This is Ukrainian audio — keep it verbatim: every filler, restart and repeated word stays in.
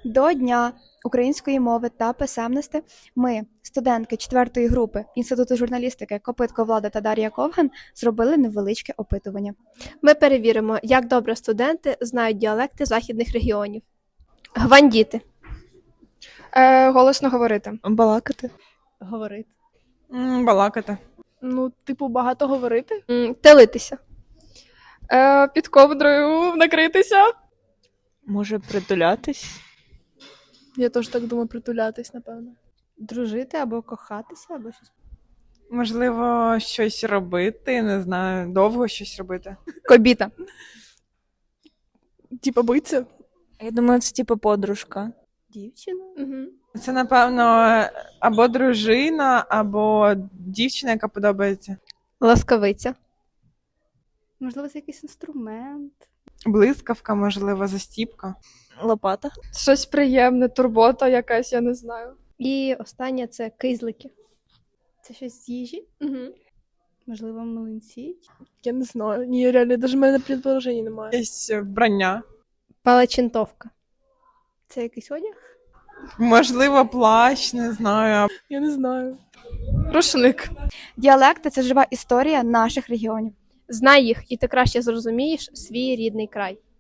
До Дня української мови та писемності ми, студентки четвертої групи Інституту журналістики Копитко Влада та Дар'я Ковган, зробили невеличке опитування. Ми перевіримо, як добре студенти знають діалекти західних регіонів. Гвандіти. Е, голосно говорити. Балакати. Говорити. М, Балакати. Ну, типу, багато говорити. М, Телитися. Е, під ковдрою накритися. Може притулятись. Я теж так думаю, притулятись, напевно. Дружити або кохатися, або щось. Можливо, щось робити, не знаю, довго щось робити. Кобіта. Типа биться. Я думаю, це типу подружка. Дівчина. Угу. Це, напевно, або дружина, або дівчина, яка подобається. Ласкавиця. Можливо, це якийсь інструмент. Блискавка, можливо, застіпка. Лопата. Щось приємне, турбота якась, я не знаю. І останнє це кизлики. Це щось з їжі? Угу. Можливо, млинці? Я не знаю. Ні, реально, навіть в мене предположення немає. Якесь вбрання. Палачинтовка. Це якийсь одяг? Можливо, плащ, не знаю. Я не знаю. Рушник. Діалекти – це жива історія наших регіонів. Знай їх, і ти краще зрозумієш свій рідний край.